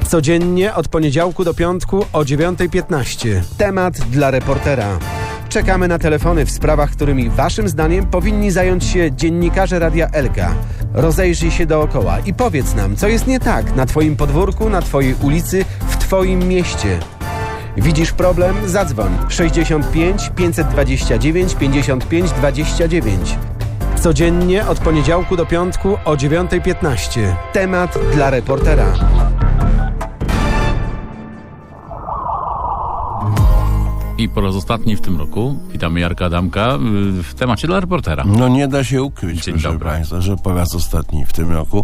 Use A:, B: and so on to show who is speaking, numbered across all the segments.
A: Codziennie od poniedziałku do piątku o 9:15. Temat dla reportera. Czekamy na telefony w sprawach, którymi waszym zdaniem powinni zająć się dziennikarze Radia Elka. Rozejrzyj się dookoła i powiedz nam, co jest nie tak na twoim podwórku, na twojej ulicy, w twoim mieście. Widzisz problem? Zadzwoń 65 529 55 29. Codziennie od poniedziałku do piątku o 9:15. Temat dla reportera.
B: I po raz ostatni w tym roku witamy Jarka Adamka w temacie dla reportera.
C: No nie da się ukryć,
B: Dzień
C: proszę
B: dobry.
C: Państwa, że po raz ostatni w tym roku.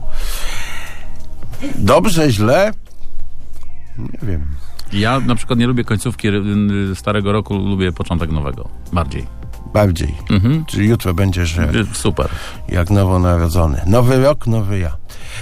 C: Dobrze, źle? Nie wiem.
B: Ja na przykład nie lubię końcówki starego roku, lubię początek nowego. Bardziej.
C: Bardziej. Czyli jutro będziesz
B: Super.
C: jak nowonarodzony. Nowy rok, nowy ja.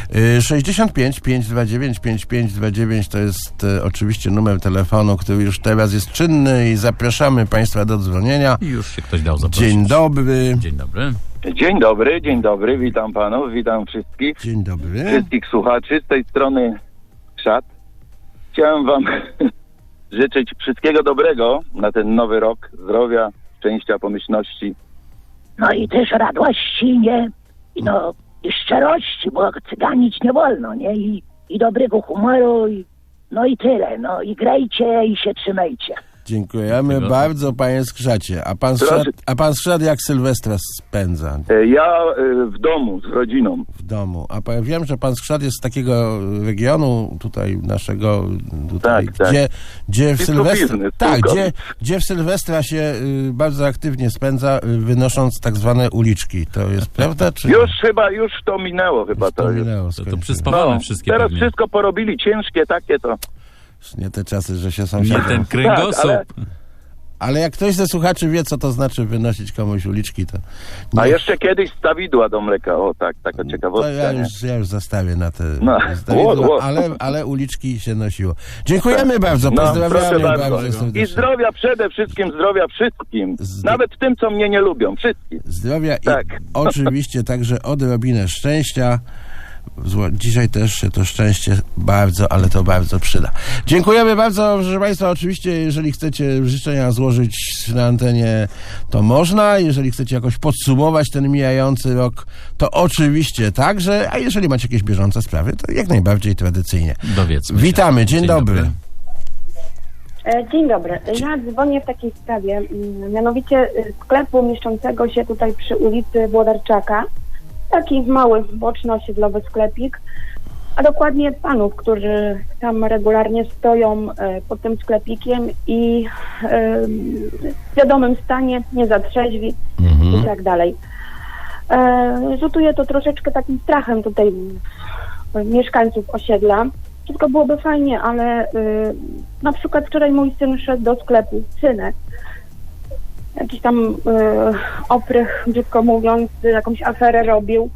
C: 65 529 5529 to jest oczywiście numer telefonu, który już teraz jest czynny i zapraszamy Państwa do dzwonienia.
B: I już się ktoś dał zaprosić.
C: Dzień dobry.
B: Dzień dobry.
D: Dzień dobry, witam panów, witam wszystkich.
C: Dzień dobry.
D: Wszystkich słuchaczy z tej strony Krzat. Chciałem wam życzyć wszystkiego dobrego na ten nowy rok, zdrowia, szczęścia, pomyślności.
E: No i też radości, nie? I szczerości, bo cyganić nie wolno, nie? I dobrego humoru, no i tyle, no i grajcie i się trzymajcie.
C: Dziękujemy bardzo, panie Skrzacie. A pan Skrzat jak Sylwestra spędza?
D: Ja w domu, z rodziną.
C: W domu. Wiem, że pan Skrzat jest z takiego regionu tutaj naszego, tutaj,
D: Tak.
C: gdzie w Sylwestra,
D: biznes,
C: tak,
D: tylko.
C: gdzie w Sylwestra się bardzo aktywnie spędza, wynosząc tak zwane uliczki. To jest prawda? Czy
D: Już to minęło chyba.
C: to minęło,
B: To
C: skończyło.
B: przyspawane wszystkie
D: teraz
B: pewnie.
D: wszystko porobili, ciężkie takie to.
C: Nie te czasy, że się
B: Nie
C: sąsiadem...
B: ten kręgosłup.
D: Tak,
C: Ale jak ktoś ze słuchaczy wie, co to znaczy wynosić komuś uliczki, to...
D: A jeszcze kiedyś stawidła do mleka, taka
C: To
D: ciekawostka.
C: ja już zastawię na te
D: Łot.
C: ale uliczki się nosiło. Dziękujemy bardzo,
D: proszę
C: pozdrawiamy
D: bardzo.
C: serdecznie.
D: I zdrowia przede wszystkim, zdrowia wszystkim. Nawet tym, co mnie nie lubią, wszystkim.
C: Zdrowia
D: Tak.
C: i oczywiście także odrobinę szczęścia. Dzisiaj też się to szczęście bardzo, ale to bardzo przyda. Dziękujemy bardzo, proszę Państwa. Oczywiście, jeżeli chcecie życzenia złożyć na antenie, to można. Jeżeli chcecie jakoś podsumować ten mijający rok, to oczywiście także. A jeżeli macie jakieś bieżące sprawy, to jak najbardziej tradycyjnie.
B: Dowiedzmy się.
C: Witamy, dzień dobry.
F: Dzień dobry. Ja dzwonię w takiej sprawie, mianowicie sklepu mieszczącego się tutaj przy ulicy Włodarczaka. Taki mały, boczny, osiedlowy sklepik, a dokładnie panów, którzy tam regularnie stoją pod tym sklepikiem i w wiadomym stanie, nie za trzeźwi i tak dalej. Rzutuje to troszeczkę takim strachem tutaj mieszkańców osiedla. Wszystko byłoby fajnie, ale na przykład wczoraj mój syn szedł do sklepu, synek. Jakiś tam oprych, brzydko mówiąc, jakąś aferę robił.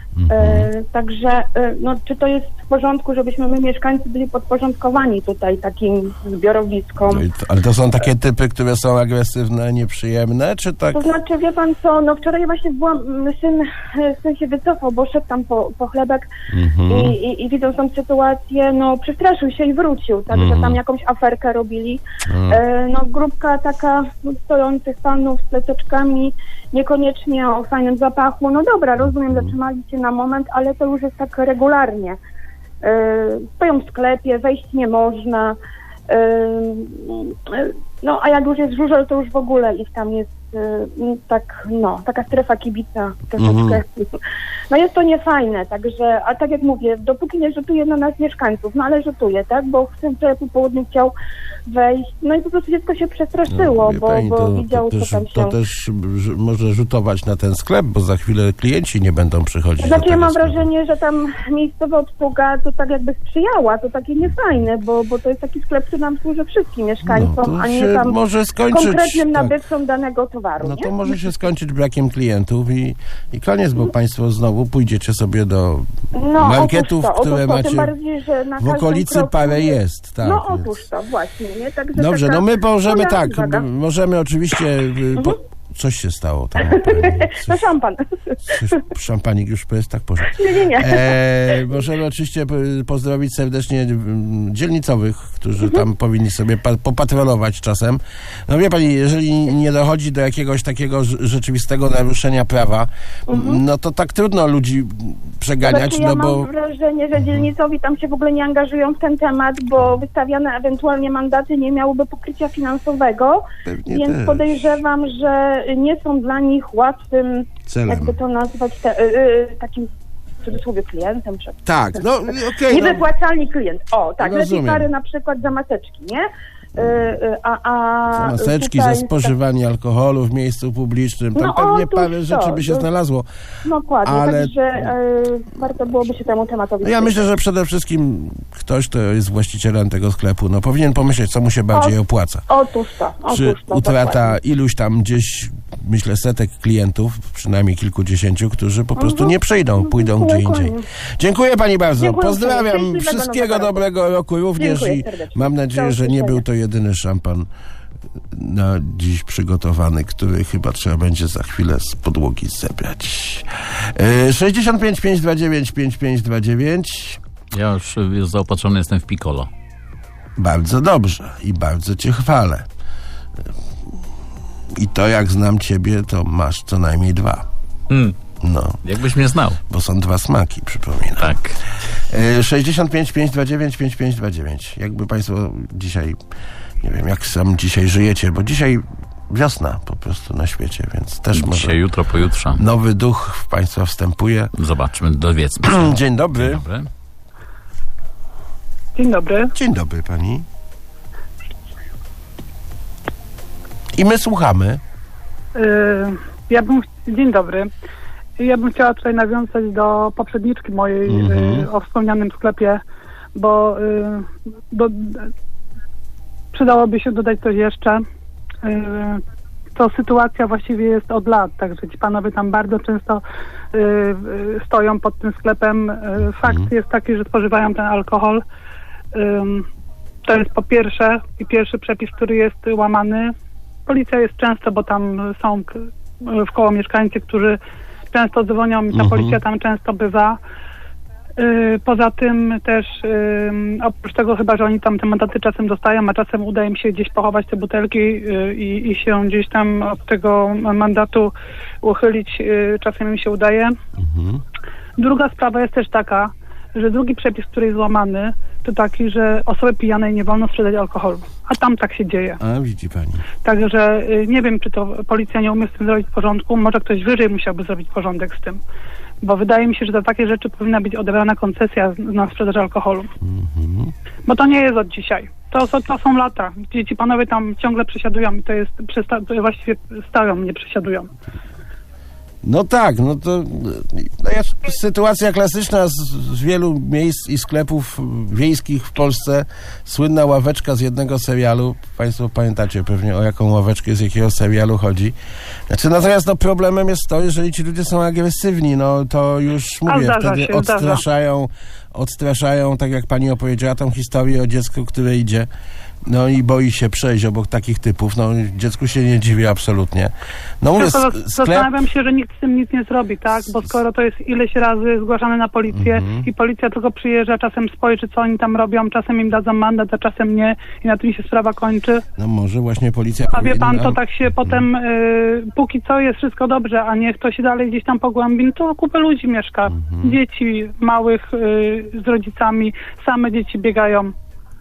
F: Także czy to jest w porządku, żebyśmy my mieszkańcy byli podporządkowani tutaj takim zbiorowiskom?
C: Ale to są takie typy, które są agresywne, nieprzyjemne, czy tak?
F: To znaczy, wie pan co, wczoraj właśnie syn się wycofał, bo szedł tam po chlebek i widząc tą sytuację, przestraszył się i wrócił, także tam jakąś aferkę robili. Grupka taka stojących panów z plececzkami, niekoniecznie o fajnym zapachu. No dobra, rozumiem, zatrzymali się na moment, ale to już jest tak regularnie. Stoją w sklepie, wejść nie można. A jak już jest żużel, to już w ogóle ich tam jest taka strefa kibica troszeczkę. Jest to niefajne, także, a tak jak mówię, dopóki nie rzutuje na nas mieszkańców, ale rzutuje, tak, bo w tym po południu chciał wejść, i po prostu dziecko się przestraszyło, bo widział, co tam się...
C: To też może rzutować na ten sklep, bo za chwilę klienci nie będą przychodzić.
F: Znaczy ja mam wrażenie, że tam miejscowa obsługa to tak jakby sprzyjała, to takie niefajne, bo to jest taki sklep, który nam służy wszystkim mieszkańcom, a nie tam
C: może skończyć,
F: konkretnym nabywcom danego towaru.
C: To może się skończyć brakiem klientów i koniec, bo państwo znowu pójdziecie sobie do marketów, które macie
F: bardziej, że na
C: w okolicy
F: kroku
C: parę jest. Tak,
F: otóż to, właśnie. Nie? Także
C: dobrze, my możemy możemy oczywiście Coś się stało tam u pani.
F: No szampan.
C: Szampanik już jest tak poszedł.
F: Nie.
C: Możemy oczywiście pozdrowić serdecznie dzielnicowych, którzy tam powinni sobie popatrolować czasem. No wie pani, jeżeli nie dochodzi do jakiegoś takiego rzeczywistego naruszenia prawa, no to tak trudno ludzi przeganiać,
F: ja
C: no bo...
F: mam wrażenie, że dzielnicowi tam się w ogóle nie angażują w ten temat, bo wystawiane ewentualnie mandaty nie miałyby pokrycia finansowego,
C: Pewnie
F: więc
C: też.
F: podejrzewam, że nie są dla nich łatwym,
C: Celem.
F: jakby to nazwać, takim w cudzysłowie klientem.
C: Tak, no okej.
F: Niewypłacalny klient. O, tak,
C: Rozumiem.
F: lepiej kary na przykład za maseczki, nie?
C: Za maseczki, za spożywanie alkoholu w miejscu publicznym. Tam
F: No,
C: pewnie
F: otóż
C: parę rzeczy by się
F: to.
C: znalazło.
F: Dokładnie,
C: ale-
F: także warto byłoby się temu tematowi
C: No ja myślę, że przede wszystkim ktoś, kto jest właścicielem tego sklepu, no powinien pomyśleć, co mu się bardziej opłaca.
F: Otóż to.
C: Czy utrata iluś tam gdzieś, myślę, setek klientów, przynajmniej kilkudziesięciu, którzy po prostu nie przyjdą, pójdą gdzie indziej.
F: Dokładnie.
C: Dziękuję pani bardzo.
F: Dziękuję
C: Pozdrawiam.
F: bardzo.
C: Wszystkiego
F: Szczęśliwego
C: dobrego roku również
F: Dziękuję
C: i
F: serdecznie.
C: mam nadzieję,
F: Do
C: że nie
F: usłyszenia.
C: był to jedyny szampan na dziś przygotowany, który chyba trzeba będzie za chwilę z podłogi zebrać. 65 529 5529.
B: Ja już zaopatrzony jestem w Piccolo.
C: Bardzo dobrze i bardzo cię chwalę. I to jak znam ciebie, to masz co najmniej 2. No,
B: Jakbyś mnie znał.
C: bo są 2 smaki, przypominam.
B: Tak.
C: 65 529 5529. Jakby państwo dzisiaj, nie wiem, jak sam dzisiaj żyjecie, bo dzisiaj wiosna po prostu na świecie, więc też może
B: Dzisiaj, jutro, pojutrze.
C: nowy duch w państwa wstępuje.
B: Zobaczmy, dowiedzmy się.
C: Dzień dobry.
B: Dobry.
G: Dzień dobry.
C: Dzień dobry pani. I my słuchamy.
G: Dzień dobry. Ja bym chciała tutaj nawiązać do poprzedniczki mojej o wspomnianym sklepie, bo przydałoby się dodać coś jeszcze. To sytuacja właściwie jest od lat, także ci panowie tam bardzo często stoją pod tym sklepem. Fakt jest taki, że spożywają ten alkohol. To jest po pierwsze i pierwszy przepis, który jest łamany. Policja jest często, bo tam są wkoło mieszkańcy, którzy często dzwonią i ta policja tam często bywa. Poza tym też oprócz tego chyba, że oni tam te mandaty czasem dostają, a czasem uda im się gdzieś pochować te butelki i się gdzieś tam od tego mandatu uchylić, czasem im się udaje. Druga sprawa jest też taka, że drugi przepis, który jest złamany, to taki, że osobie pijanej nie wolno sprzedać alkoholu. A tam tak się dzieje.
C: A widzi pani.
G: Także nie wiem, czy to policja nie umie z tym zrobić porządku. Może ktoś wyżej musiałby zrobić porządek z tym. Bo wydaje mi się, że za takie rzeczy powinna być odebrana koncesja na sprzedaż alkoholu. Bo to nie jest od dzisiaj. To są lata, gdzie ci panowie tam ciągle przesiadują i to jest właściwie stają, nie przesiadują.
C: No tak, no to sytuacja klasyczna z wielu miejsc i sklepów wiejskich w Polsce. Słynna ławeczka z jednego serialu. Państwo pamiętacie pewnie, o jaką ławeczkę z jakiego serialu chodzi. Znaczy, natomiast no, problemem jest to, jeżeli ci ludzie są agresywni, no to już mówię, wtedy odstraszają, tak jak pani opowiedziała, tą historię o dziecku, które idzie, no i boi się przejść obok takich typów. No dziecku się nie dziwi absolutnie. No mówię,
G: Zastanawiam się, że nikt z tym nic nie zrobi, tak? Bo skoro to jest ileś razy zgłaszane na policję i policja tylko przyjeżdża, czasem spojrzy, co oni tam robią, czasem im dadzą mandat, a czasem nie i na tym się sprawa kończy.
C: No może właśnie policja
G: A wie pan,
C: powinna...
G: to tak się potem, póki co jest wszystko dobrze, a niech to się dalej gdzieś tam pogłębi, to kupę ludzi mieszka. Dzieci małych z rodzicami, same dzieci biegają.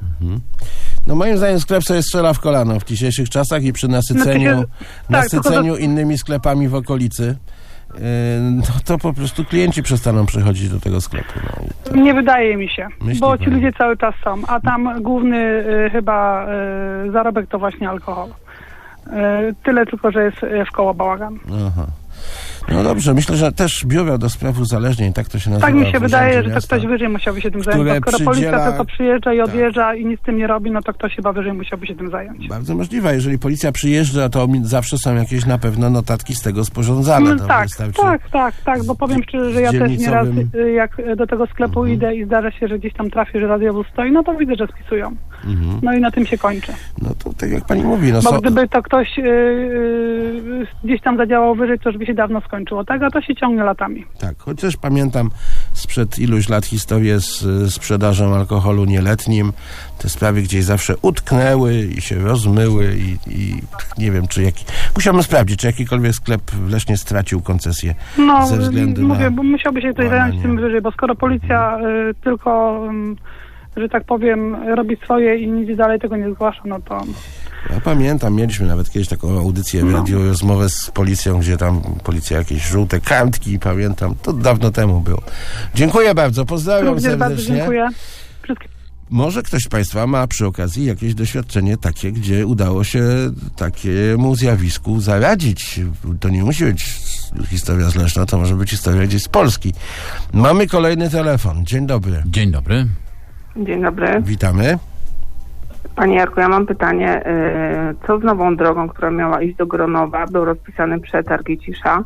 C: No moim zdaniem sklep sobie strzela w kolano w dzisiejszych czasach i przy nasyceniu innymi sklepami w okolicy, no to po prostu klienci przestaną przychodzić do tego sklepu. No.
G: Nie wydaje mi się,
C: Myśli
G: bo
C: pani?
G: ci ludzie cały czas są, a tam główny chyba zarobek to właśnie alkohol. Tyle tylko, że jest wkoło bałagan.
C: Aha. No dobrze, myślę, że też biuro do spraw uzależnień, tak to się nazywa.
G: Tak mi się wydaje, że to
C: miasta,
G: ktoś wyżej musiałby się tym zająć, bo skoro policja tylko przyjeżdża i odjeżdża i nic z tym nie robi, no to ktoś chyba wyżej musiałby się tym zająć.
C: Bardzo możliwe, jeżeli policja przyjeżdża, to zawsze są jakieś na pewno notatki z tego sporządzane.
G: No, tak, bo powiem szczerze, że ja też nieraz jak do tego sklepu idę i zdarza się, że gdzieś tam trafię, że radiowóz stoi, no to widzę, że spisują. No i na tym się kończy.
C: No to tak jak pani mówi. No
G: bo gdyby to ktoś gdzieś tam zadziałał wyżej, to już by się dawno skończyło, tak? A to się ciągnie latami.
C: Tak, chociaż pamiętam sprzed iluś lat historię z sprzedażą alkoholu nieletnim. Te sprawy gdzieś zawsze utknęły i się rozmyły i nie wiem, musiałbym sprawdzić, czy jakikolwiek sklep w Lesznie stracił koncesję ze względu na...
G: bo musiałby się ktoś zająć tym wyżej, bo skoro policja tylko, że tak powiem, robi swoje i nic dalej tego nie zgłasza, no to...
C: Ja pamiętam, mieliśmy nawet kiedyś taką audycję w radiu, rozmowę z policją, gdzie tam policja jakieś żółte kartki, pamiętam, to dawno temu było. Dziękuję bardzo, pozdrawiam serdecznie.
G: Bardzo dziękuję.
C: Może ktoś z Państwa ma przy okazji jakieś doświadczenie takie, gdzie udało się takiemu zjawisku zaradzić. To nie musi być historia z Leszna, to może być historia gdzieś z Polski. Mamy kolejny telefon. Dzień dobry.
B: Dzień dobry.
H: Dzień dobry.
C: Witamy.
H: Panie Jarku, ja mam pytanie. Co z nową drogą, która miała iść do Gronowa? Był rozpisany przetarg i cisza.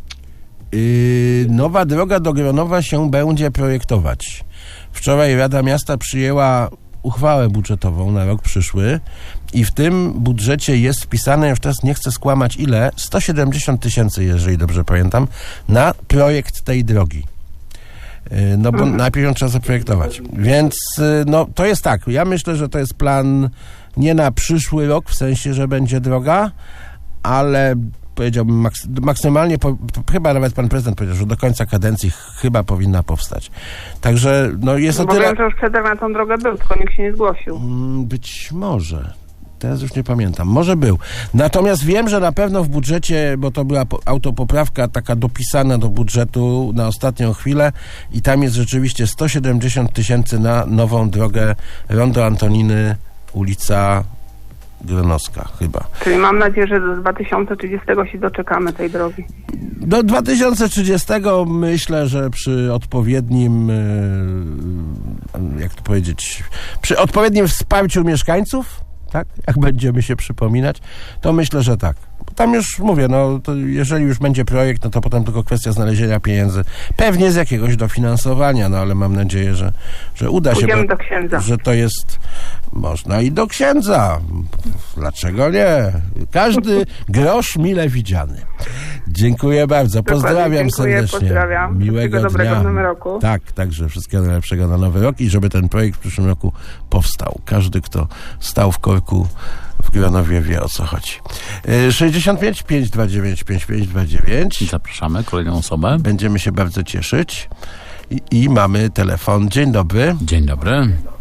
C: Nowa droga do Gronowa się będzie projektować. Wczoraj Rada Miasta przyjęła uchwałę budżetową na rok przyszły i w tym budżecie jest wpisane, już teraz nie chcę skłamać ile, 170 000, jeżeli dobrze pamiętam, na projekt tej drogi. No bo najpierw ją trzeba zaprojektować. Więc no to jest tak, ja myślę, że to jest plan nie na przyszły rok, w sensie, że będzie droga, ale powiedziałbym maksymalnie, chyba nawet pan prezydent powiedział, że do końca kadencji chyba powinna powstać. Także no jest o tyle...
H: Wiem, że już przetarg na tą drogę był, tylko nikt się nie zgłosił.
C: Być może. Teraz już nie pamiętam. Może był. Natomiast wiem, że na pewno w budżecie, bo to była autopoprawka taka dopisana do budżetu na ostatnią chwilę i tam jest rzeczywiście 170 000 na nową drogę Rondo Antoniny, ulica Gronowska chyba.
H: Czyli mam nadzieję, że do 2030 się doczekamy tej drogi.
C: Do 2030 myślę, że przy odpowiednim, jak to powiedzieć, przy odpowiednim wsparciu mieszkańców, tak, jak będziemy się przypominać, to myślę, że tak. Tam już mówię, no to jeżeli już będzie projekt, no to potem tylko kwestia znalezienia pieniędzy. Pewnie z jakiegoś dofinansowania, no ale mam nadzieję, że uda się.
H: Pójdziemy do księdza.
C: Że to jest... Można i do księdza. Dlaczego nie? Każdy grosz mile widziany. Dziękuję bardzo. Pozdrawiam serdecznie.
H: Pozdrawiam.
C: Miłego
H: dobrego
C: dnia.
H: w nowym roku.
C: Tak, także wszystkiego najlepszego na nowy rok i żeby ten projekt w przyszłym roku powstał. Każdy, kto stał w korku w Gronowie, wie, o co chodzi. 65 529 5529.
B: Zapraszamy kolejną osobę.
C: Będziemy się bardzo cieszyć. I mamy telefon. Dzień dobry.
B: Dzień dobry.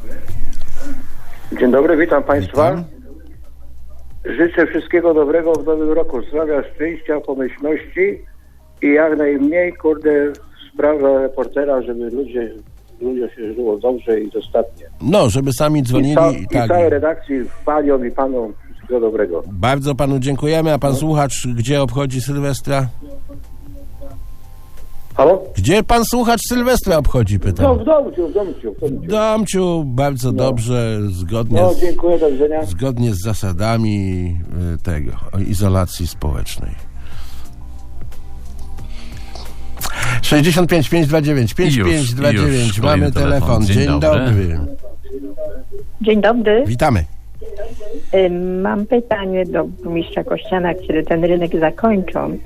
I: Dzień dobry, witam Państwa.
C: Witam.
I: Życzę wszystkiego dobrego w nowym roku. Zdrowia, szczęścia, pomyślności i jak najmniej, sprawa reportera, żeby ludzie się żyło dobrze i dostatnie.
C: No, żeby sami dzwonili.
I: I całej redakcji, paniom i panom wszystkiego dobrego.
C: Bardzo panu dziękujemy. A pan słuchacz gdzie obchodzi Sylwestra?
I: Halo?
C: Gdzie pan słuchacz Sylwestra obchodzi, pytam.
I: No, w domciu.
C: W domciu, bardzo dobrze, zgodnie,
I: dziękuję, do widzenia.
C: zgodnie z zasadami tego, izolacji społecznej. 65 529 5529. Mamy telefon. Dzień dobry.
J: Dzień dobry.
C: Witamy.
J: Mam pytanie do burmistrza Kościana, kiedy ten rynek zakończą.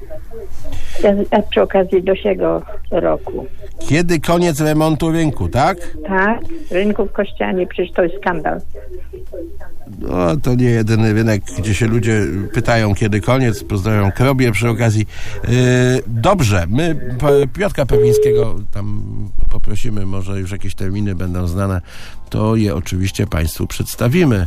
J: A przy okazji dosiego roku.
C: Kiedy koniec remontu rynku, tak?
J: Tak, rynku w Kościanie, przecież to jest skandal.
C: No, to nie jedyny rynek, gdzie się ludzie pytają, kiedy koniec. Pozdrawiam Krobie przy okazji. Dobrze, my Piotrka Pewlińskiego tam poprosimy, może już jakieś terminy będą znane, to je oczywiście Państwu przedstawimy.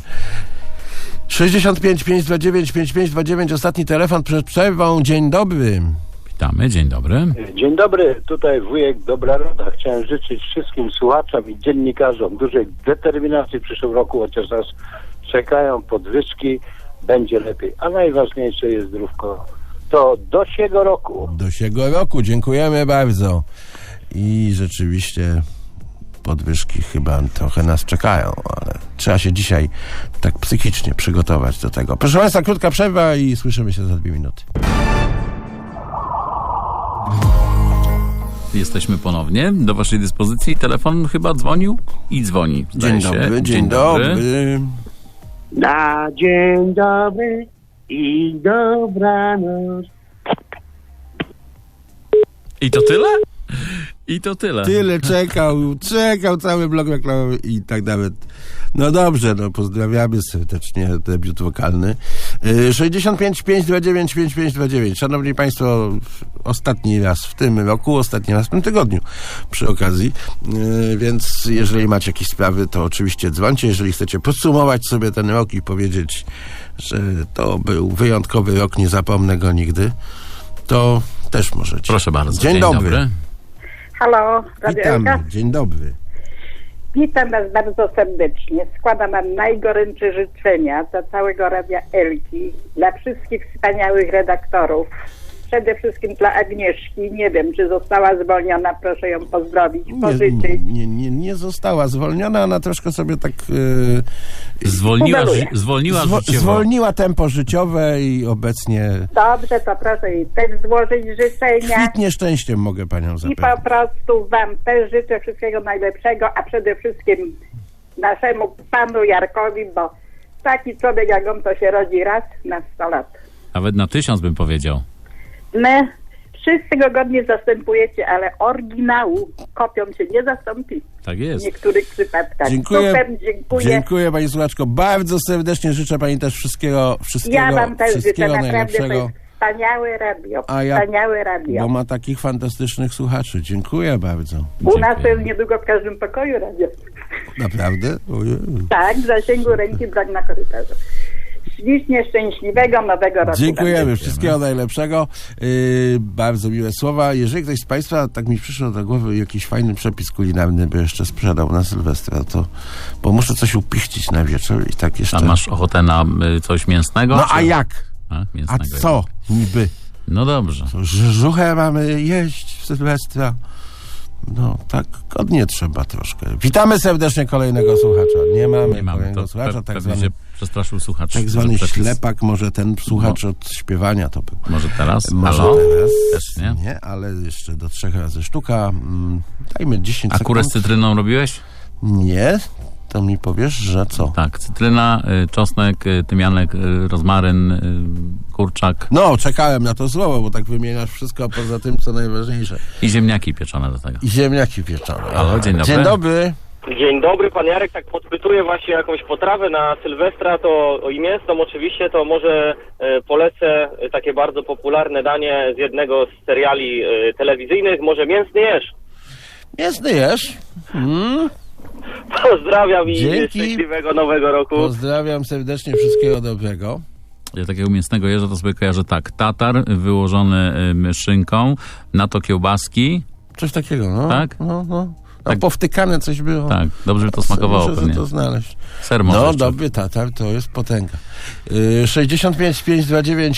C: 65 529 5529, ostatni telefon przed przerwą. Dzień dobry.
B: Witamy, dzień dobry.
I: Dzień dobry, tutaj wujek Dobra Roda. Chciałem życzyć wszystkim słuchaczom i dziennikarzom dużej determinacji w przyszłym roku, chociaż nas czekają podwyżki, będzie lepiej. A najważniejsze jest zdrówko to do siego roku.
C: Do siego roku, dziękujemy bardzo. I rzeczywiście podwyżki chyba trochę nas czekają, ale trzeba się dzisiaj tak psychicznie przygotować do tego. Proszę Państwa, krótka przerwa i słyszymy się za 2 minuty.
B: Jesteśmy ponownie. Do waszej dyspozycji telefon chyba dzwonił i dzwoni.
C: Dzień dobry, dzień dobry.
K: Na dzień dobry i dobranoc.
B: I to tyle? I to tyle.
C: Tyle czekał cały blok reklamowy i tak nawet. No dobrze, no pozdrawiamy serdecznie, debiut wokalny. 65 529 5529. Szanowni Państwo, ostatni raz w tym roku, ostatni raz w tym tygodniu przy okazji, więc jeżeli macie jakieś sprawy, to oczywiście dzwońcie. Jeżeli chcecie podsumować sobie ten rok i powiedzieć, że to był wyjątkowy rok, nie zapomnę go nigdy, to też możecie.
B: Proszę bardzo.
C: Dzień dobry.
L: Halo, Radio
C: Witamy.
L: Elka.
C: Dzień dobry.
L: Witam Was bardzo serdecznie. Składam Wam najgorętsze życzenia dla całego Radia Elki, dla wszystkich wspaniałych redaktorów. Przede wszystkim dla Agnieszki. Nie wiem, czy została zwolniona. Proszę ją pozdrowić, pożyczyć.
C: Nie została zwolniona, ona troszkę sobie tak
B: zwolniła życiowo.
C: Zwolniła tempo życiowe i obecnie
L: Dobrze, to proszę jej też złożyć życzenia.
C: kwitnie szczęściem, mogę Panią
L: I
C: zapewnić.
L: po prostu Wam też życzę wszystkiego najlepszego, a przede wszystkim naszemu panu Jarkowi, bo taki człowiek jak on to się rodzi raz na 100 lat.
B: Nawet na 1000 bym powiedział.
L: My wszyscy go godnie zastępujecie, ale oryginału kopią się nie zastąpi.
B: Tak
L: W
B: jest.
L: niektórych przypadkach.
C: Dziękuję.
L: Super, dziękuję.
C: Dziękuję Pani słuchaczko. Bardzo serdecznie życzę Pani też wszystkiego
L: Ja Wam też życzę,
C: wszystkiego
L: naprawdę to
C: najlepszego.
L: jest wspaniałe radio.
C: A ja-
L: Wspaniałe radio.
C: Bo ma takich fantastycznych słuchaczy. Dziękuję bardzo.
L: U nas to jest niedługo w każdym pokoju radio.
C: Naprawdę? Ojej.
L: Tak, w zasięgu ręki, brak na korytarzu. Ślicznie szczęśliwego nowego roku.
C: Dziękujemy. Wszystkiego najlepszego. Bardzo miłe słowa. Jeżeli ktoś z Państwa, tak mi przyszło do głowy, jakiś fajny przepis kulinarny by jeszcze sprzedał na Sylwestra, to bo muszę coś upichcić na wieczór i tak jeszcze...
B: A masz ochotę na coś mięsnego?
C: No
B: czy...
C: a jak?
B: A
C: A co niby?
B: No dobrze.
C: Żuchę mamy jeść w Sylwestra. No tak godnie trzeba troszkę. Witamy serdecznie kolejnego słuchacza. Nie mamy kolejnego
B: To
C: słuchacza. Tak
B: pewnie
C: zwany,
B: się przestraszył słuchacz.
C: tak zwany
B: że przepis-
C: ślepak, może ten słuchacz od śpiewania to był.
B: Może teraz?
C: Może
B: Halo?
C: teraz.
B: Też nie?
C: Ale jeszcze do 3 razy sztuka. Dajmy 10
B: A
C: sekund.
B: kurę z cytryną robiłeś?
C: Nie. To mi powiesz, że co?
B: Tak, cytryna, czosnek, tymianek, rozmaryn, kurczak
C: No, czekałem na to słowo, bo tak wymieniasz wszystko poza tym, co najważniejsze.
B: i ziemniaki pieczone do tego.
C: I ziemniaki pieczone.
B: Halo, dzień dobry.
C: Dzień dobry.
M: Dzień dobry, pan Jarek tak podpytuje właśnie jakąś potrawę na Sylwestra, to i mięsną oczywiście, to może polecę takie bardzo popularne danie z jednego z seriali telewizyjnych, może mięsny jesz.
C: Mięsny jesz?
M: Pozdrawiam i
C: Dzięki.
M: szczęśliwego nowego roku.
C: Pozdrawiam serdecznie, wszystkiego dobrego.
B: Ja takiego mięsnego jeża to sobie kojarzę tak. Tatar wyłożony szynką, na to kiełbaski.
C: Coś takiego, no.
B: Tak?
C: No.
B: Tak.
C: Powtykane coś było.
B: Tak, dobrze by to smakowało
C: Muszę
B: pewnie.
C: to znaleźć.
B: Ser może
C: No,
B: jeszcze.
C: dobry tatar, to jest potęga. 65 529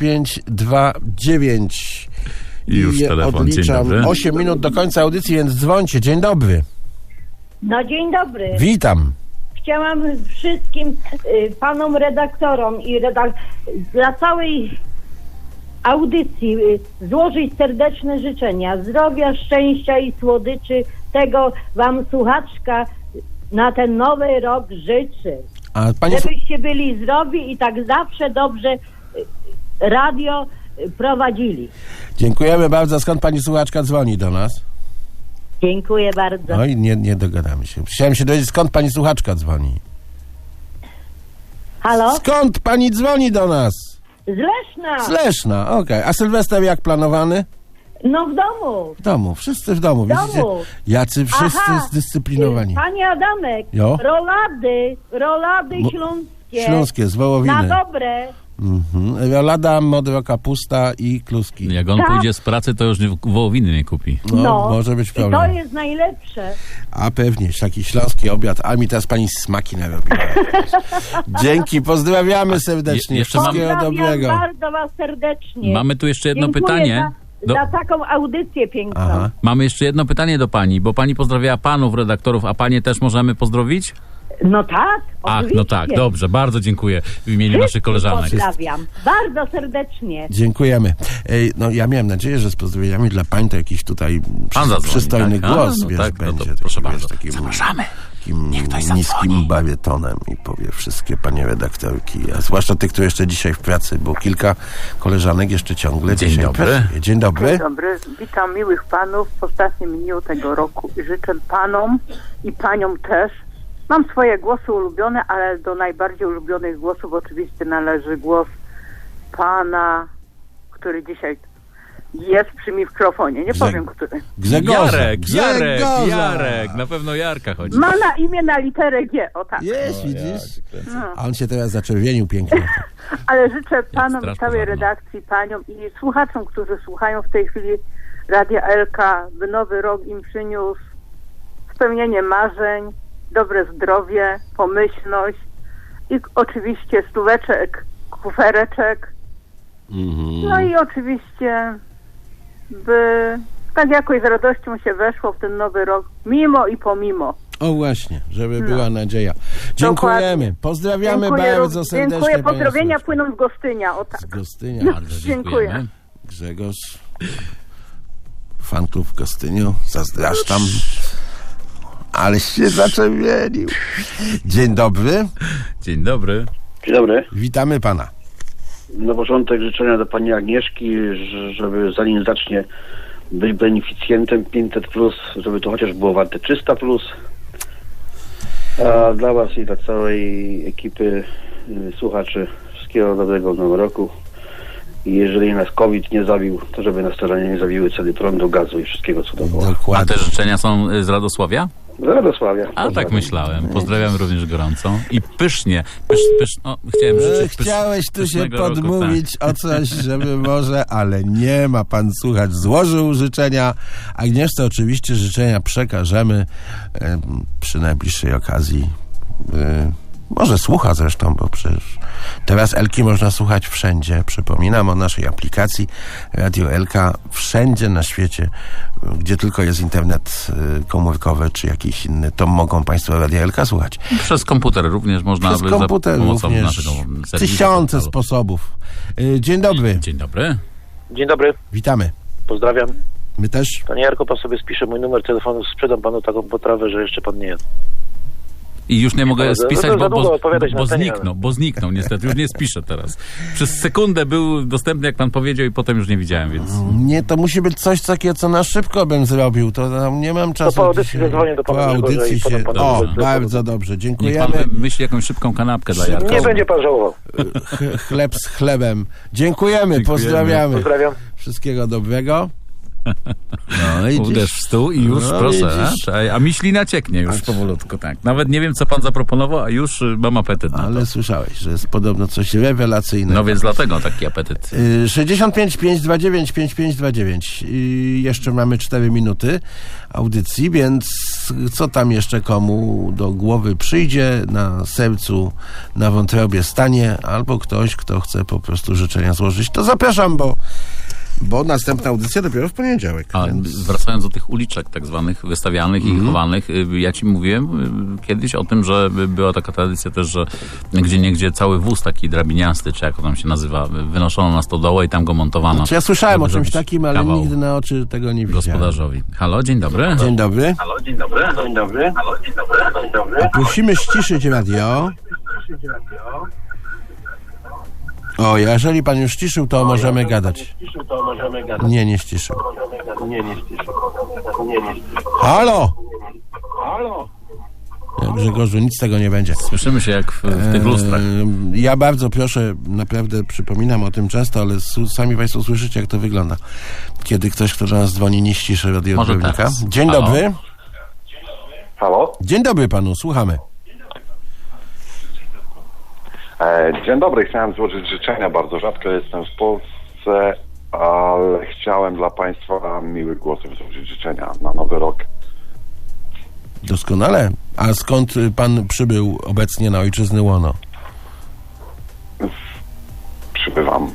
C: 5529.
B: I już telefon. Dzień
C: Odliczam
B: dobry.
C: 8 minut do końca audycji, więc dzwońcie. Dzień dobry.
N: No dzień dobry.
C: Witam.
N: Chciałam wszystkim panom redaktorom i dla całej audycji złożyć serdeczne życzenia zdrowia, szczęścia i słodyczy. Tego wam słuchaczka na ten nowy rok życzy.
C: A pani...
N: Żebyście byli zdrowi i tak zawsze dobrze radio prowadzili.
C: Dziękujemy bardzo. Skąd pani słuchaczka dzwoni do nas?
N: Dziękuję bardzo.
C: Oj, nie dogadamy się. Chciałem się dowiedzieć, skąd pani słuchaczka dzwoni.
N: Halo?
C: Skąd pani dzwoni do nas?
N: Z Leszna.
C: Z Leszna, okej. A Sylwester jak planowany?
N: No w domu.
C: W domu, wszyscy w domu.
N: W domu.
C: Widzicie? Jacy wszyscy
N: Aha.
C: zdyscyplinowani.
N: Panie Adamek,
C: Jo?
N: rolady śląskie.
C: Śląskie, z Wołowiny.
N: Na dobre.
C: Rolada, modra kapusta i kluski.
B: Jak on
N: Tak.
B: pójdzie z pracy, to już wołowiny nie kupi.
C: No, może być
N: I
C: problem.
N: to jest najlepsze.
C: A pewnie, taki śląski obiad. A mi teraz pani smaki narobiła. Dzięki, pozdrawiamy serdecznie.
B: jeszcze mam-
C: Wszystkiego dobrego.
N: Bardzo was serdecznie.
B: Mamy tu jeszcze jedno
N: Dziękuję
B: pytanie.
N: za taką audycję piękną.
C: Aha.
B: Mamy jeszcze jedno pytanie do pani, bo pani pozdrawiała panów redaktorów, a panie też możemy pozdrowić?
N: No tak,
B: Ach,
N: oczywiście.
B: no tak, dobrze, bardzo dziękuję w imieniu naszych koleżanek.
N: Pozdrawiam. Bardzo serdecznie.
C: Dziękujemy. No ja miałem nadzieję, że z pozdrowieniami dla pań to jakiś tutaj
B: zadzwoni,
C: przystojny
B: tak? A,
C: głos,
B: no
C: wiesz,
B: tak, no to
C: będzie.
B: proszę
C: taki,
B: bardzo.
C: takim,
B: Zapraszamy.
C: Takim niskim barytonem i powie wszystkie panie redaktorki, a zwłaszcza tych, które jeszcze dzisiaj w pracy, bo kilka koleżanek jeszcze ciągle
B: Dzień
C: dzisiaj
B: dobry.
C: pracuje. Dzień dobry.
H: Dzień dobry, witam miłych panów w ostatnim dniu tego roku i życzę panom i paniom też. Mam swoje głosy ulubione, ale do najbardziej ulubionych głosów oczywiście należy głos pana, który dzisiaj jest przy mikrofonie. Nie powiem, który.
C: Grzegorza.
B: Jarek, na pewno Jarka chodzi.
H: Ma na imię na literę G, o tak.
C: Jest, widzisz?
H: No.
C: A on się teraz zaczerwienił pięknie.
H: Ale życzę panom
B: straż
H: i całej
B: pożarna.
H: redakcji, paniom i słuchaczom, którzy słuchają w tej chwili Radia Elka, by nowy rok im przyniósł spełnienie marzeń, dobre zdrowie, pomyślność i oczywiście stóweczek, kufereczek. No i oczywiście, by tak jakoś z radością się weszło w ten nowy rok, mimo i pomimo.
C: O właśnie, żeby była nadzieja. Dziękujemy.
H: Dokładnie.
C: Pozdrawiamy
H: Dziękuję
C: bardzo serdecznie.
H: Dziękuję,
C: panią
H: pozdrowienia
C: Sławkę.
H: płyną z Gostynia, o tak.
C: Z Gostynia.
H: No,
B: Bardzo
H: dziękuję.
B: dziękujemy.
C: Grzegorz, fanklub w Gostyniu, zazdraszczam. Ale się zaczerwienił. Dzień dobry.
B: Dzień dobry.
O: Dzień dobry.
C: Witamy pana.
O: Na początek życzenia do pani Agnieszki, żeby zanim zacznie być beneficjentem 500+, żeby to chociaż było warte 300+. A dla was i dla całej ekipy słuchaczy wszystkiego dobrego w nowym roku. I jeżeli nas COVID nie zabił, to żeby nas terenie nie zabiły ceny prądu, gazu i wszystkiego co dookoła.
B: A
C: Dokładnie.
B: te życzenia są z Radosławia?
O: Z Radosławia.
B: A tak myślałem. Pozdrawiam również gorąco. I pysznie. Chciałem życzyć
C: Chciałeś tu się
B: pysznego roku,
C: podmówić o coś, żeby może, ale nie ma pan słuchać. Złożył życzenia. Agnieszce oczywiście życzenia przekażemy przy najbliższej okazji. Może słucha zresztą, bo przecież teraz Elki można słuchać wszędzie. Przypominam o naszej aplikacji Radio Elka. Wszędzie na świecie, gdzie tylko jest internet komórkowy czy jakiś inny, to mogą państwo Radio Elka słuchać.
B: Przez komputer również można.
C: Przez komputer
B: za pomocą
C: również.
B: naszego serwisu,
C: Tysiące
B: portalu.
C: sposobów. Dzień dobry.
B: Dzień dobry.
P: Dzień dobry,
C: Witamy.
P: pozdrawiam.
C: My też.
P: Panie Jarko, pan sobie spisze mój numer telefonu, sprzedam panu taką potrawę, że jeszcze pan nie jadł.
B: I już nie mogę
P: Ale
B: spisać,
P: za długo odpowiadać na antenie,
B: bo zniknął niestety. Już nie spiszę teraz. Przez sekundę był dostępny, jak pan powiedział, i potem już nie widziałem, więc...
C: Nie, to musi być coś takiego, co na szybko bym zrobił. To tam nie mam czasu.
P: To po audycji
C: dzisiaj.
P: zadzwonię do pana
C: Po
P: Grzegorza
C: audycji
P: i
C: się...
P: potem
C: O,
P: panu-
C: bardzo dobrze.
B: Niech
C: Dziękujemy.
B: pan wymyśli jakąś szybką kanapkę dla Jarka.
P: Nie będzie pan żałował.
C: Chleb z chlebem. Dziękujemy. Pozdrawiamy.
P: Pozdrawiam.
C: Wszystkiego dobrego. No, idziesz.
B: Uderz w stół i już,
C: No,
B: proszę.
C: widzisz.
B: A miślina cieknie już powolutku, tak. Nawet nie wiem, co pan zaproponował, a już mam apetyt na to.
C: Ale słyszałeś, że jest podobno coś rewelacyjnego.
B: No więc dlatego taki apetyt.
C: 65 529 5529. Jeszcze mamy 4 minuty audycji, więc co tam jeszcze komu do głowy przyjdzie, na sercu, na wątrobie stanie, albo ktoś, kto chce po prostu życzenia złożyć, to zapraszam, bo następna audycja dopiero w poniedziałek.
B: A wracając do tych uliczek tak zwanych wystawianych i chowanych, ja ci mówiłem kiedyś o tym, że była taka tradycja też, że gdzieniegdzie cały wóz taki drabiniasty, czy jak to tam się nazywa, wynoszono na stodołę i tam go montowano.
C: Znaczy ja słyszałem o
B: żeby
C: czymś
B: zrobić
C: takim, ale
B: kawał
C: nigdy na oczy tego nie widziałem.
B: gospodarzowi. Halo, dzień dobry.
C: Dzień dobry.
O: Halo, dzień dobry. Dzień dobry. Halo, dzień dobry. Dzień dobry.
C: A prosimy ściszyć radio. O, jeżeli pan już ściszył, to możemy gadać. Nie, nie ściszył. Halo! Ja, Grzegorzu, nic z tego nie będzie.
B: Słyszymy się jak w tych lustrach.
C: Ja bardzo proszę, naprawdę przypominam o tym często, ale sami państwo słyszycie, jak to wygląda. Kiedy ktoś, kto do nas dzwoni, nie ściszy radioodbiornika.
B: teraz.
C: Dzień
B: Halo?
C: dobry.
O: Halo?
C: Dzień dobry panu, słuchamy.
Q: Dzień dobry, chciałem złożyć życzenia. Bardzo rzadko jestem w Polsce, ale chciałem dla Państwa miłych głosów złożyć życzenia na nowy rok.
C: Doskonale. A skąd pan przybył obecnie na ojczyznę łono?
Q: Przybywam.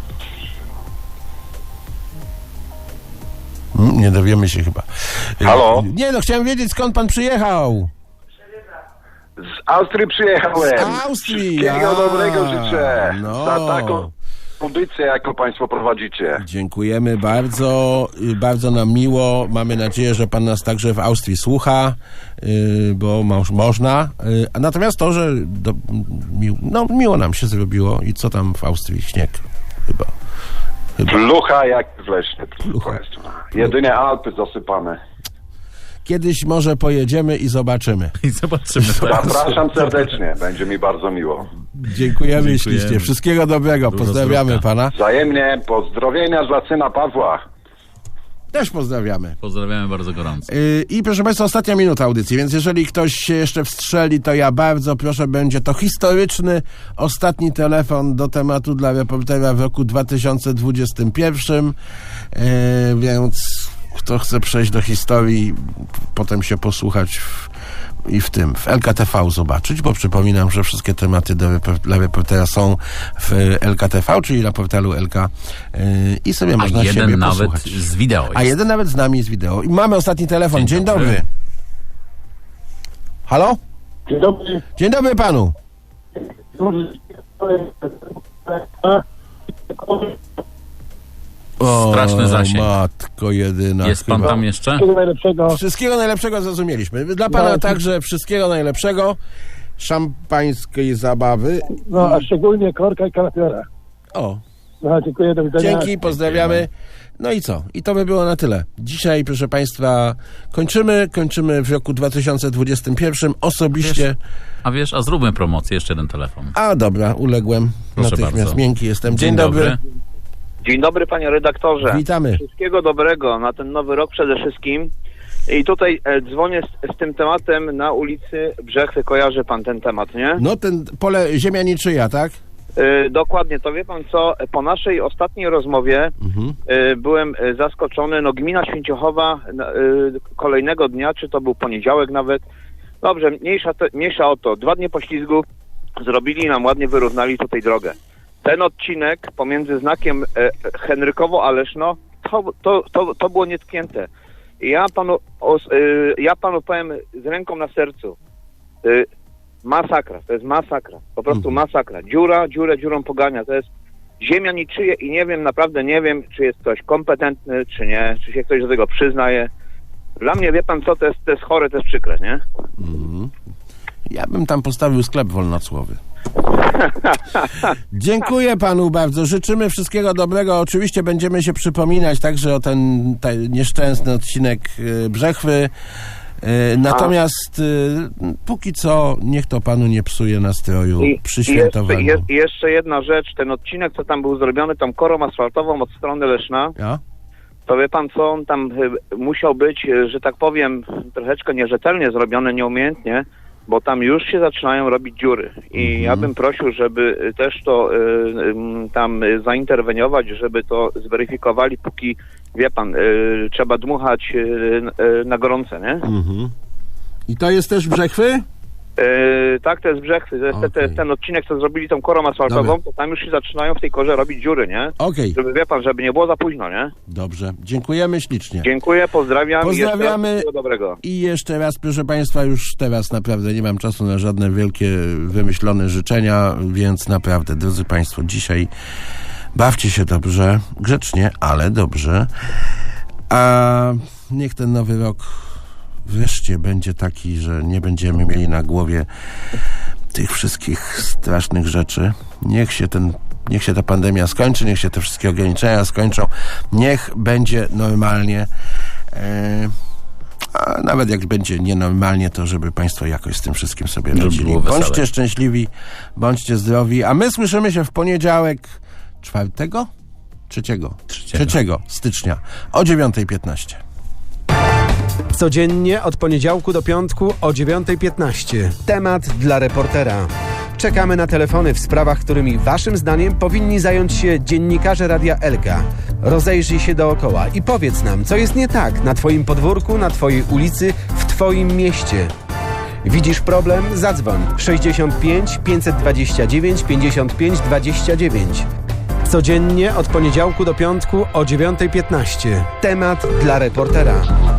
C: Nie dowiemy się chyba.
Q: Halo?
C: Nie, no chciałem wiedzieć, skąd pan przyjechał.
Q: Z Austrii przyjechałem.
C: Z Austrii.
Q: Wszystkiego dobrego życzę.
C: No.
Q: Za taką audycję, jaką Państwo prowadzicie.
C: Dziękujemy bardzo. Bardzo nam miło. Mamy nadzieję, że pan nas także w Austrii słucha, bo można. Natomiast to, że miło nam się zrobiło. I co tam w Austrii? Śnieg chyba.
Q: Plucha jak w Lesznie. Jedynie Alpy zasypane.
C: Kiedyś może pojedziemy i zobaczymy.
Q: Zapraszam serdecznie, będzie mi bardzo miło.
C: Dziękujemy ślicznie. Wszystkiego dobrego. Pozdrawiamy pana.
Q: Wzajemnie pozdrowienia dla syna Pawła.
C: Też pozdrawiamy.
B: Pozdrawiamy bardzo gorąco.
C: I proszę Państwa, ostatnia minuta audycji, więc jeżeli ktoś się jeszcze wstrzeli, to ja bardzo proszę, będzie to historyczny ostatni telefon do tematu dla reportera w roku 2021, więc kto chce przejść do historii, potem się posłuchać w LKTV zobaczyć, bo przypominam, że wszystkie tematy dla reportera są w LKTV, czyli na portalu LK i sobie można siebie posłuchać.
B: A jeden nawet z wideo jest.
C: A jeden nawet z nami z wideo. I mamy ostatni telefon. Dzień dobry. Halo?
K: Dzień dobry.
C: Dzień dobry panu.
B: Straszny zasięg.
C: Matko jedyna.
B: Jest pan tam jeszcze?
K: Wszystkiego najlepszego.
C: Wszystkiego najlepszego zrozumieliśmy. Dla pana także wszystkiego najlepszego. Szampańskiej zabawy.
K: No, a szczególnie korka i kalafiora.
C: O.
K: No, dziękuję, do widzenia.
C: Dzięki, pozdrawiamy. No i co? I to by było na tyle. Dzisiaj, proszę Państwa, kończymy w roku 2021 osobiście.
B: A zróbmy promocję, jeszcze jeden telefon.
C: A dobra, uległem.
B: Proszę
C: natychmiast
B: bardzo.
C: Miękki jestem. Dzień dobry.
M: Dzień dobry, panie redaktorze.
C: Witamy.
M: Wszystkiego dobrego na ten nowy rok przede wszystkim. I tutaj dzwonię z tym tematem na ulicy Brzechwy. Kojarzy pan ten temat, nie?
C: No ten pole ziemia niczyja, tak?
M: Dokładnie, to wie pan co, po naszej ostatniej rozmowie byłem zaskoczony, no gmina Święciochowa kolejnego dnia, czy to był poniedziałek nawet, dobrze, mniejsza o to, 2 dni poślizgu zrobili nam ładnie, wyrównali tutaj drogę. Ten odcinek pomiędzy znakiem Henrykowo a Leszno, to było nietknięte. Ja panu powiem z ręką na sercu, masakra, to jest masakra, po prostu masakra. Dziurą pogania, to jest ziemia niczyje i naprawdę nie wiem, czy jest ktoś kompetentny, czy nie, czy się ktoś do tego przyznaje. Dla mnie, wie pan co, to jest chore, to jest przykre, nie?
C: Ja bym tam postawił sklep wolnocłowy. Dziękuję panu bardzo. Życzymy wszystkiego dobrego. Oczywiście będziemy się przypominać także o ten nieszczęsny odcinek Brzechwy. Natomiast póki co niech to panu nie psuje nastroju przy świętowaniu.
M: Jeszcze jedna rzecz. Ten odcinek, co tam był zrobiony, tą korą asfaltową od strony Leszna, to wie pan co, on tam musiał być, że tak powiem, troszeczkę nierzetelnie zrobiony, nieumiejętnie, bo tam już się zaczynają robić dziury. I ja bym prosił, żeby też to tam zainterweniować, żeby to zweryfikowali, póki, wie pan, trzeba dmuchać na gorące, nie?
C: I to jest też Brzechwy?
M: Tak, to jest Brzechwy. To jest ten odcinek, co zrobili tą korą asfaltową, to tam już się zaczynają w tej korze robić dziury, nie? Żeby, wie pan, żeby nie było za późno, nie?
C: Dobrze. Dziękujemy ślicznie.
M: Dziękuję, pozdrawiam.
C: Pozdrawiamy.
M: I wszystkiego dobrego.
C: I jeszcze raz, proszę państwa, już teraz naprawdę nie mam czasu na żadne wielkie, wymyślone życzenia, więc naprawdę, drodzy państwo, dzisiaj bawcie się dobrze, grzecznie, ale dobrze. A niech ten nowy rok wreszcie będzie taki, że nie będziemy mieli na głowie tych wszystkich strasznych rzeczy. Niech się ta pandemia skończy, niech się te wszystkie ograniczenia skończą, niech będzie normalnie. A nawet jak będzie nienormalnie, to żeby państwo jakoś z tym wszystkim sobie radzili. Bądźcie szczęśliwi, bądźcie zdrowi, a my słyszymy się w poniedziałek 3 stycznia o 9:15.
A: Codziennie od poniedziałku do piątku o 9:15. Temat dla reportera. Czekamy na telefony w sprawach, którymi waszym zdaniem powinni zająć się dziennikarze Radia Elka. Rozejrzyj się dookoła i powiedz nam, co jest nie tak na twoim podwórku, na twojej ulicy, w twoim mieście. Widzisz problem? Zadzwoń 65 529 55 29. Codziennie od poniedziałku do piątku o 9:15. Temat dla reportera.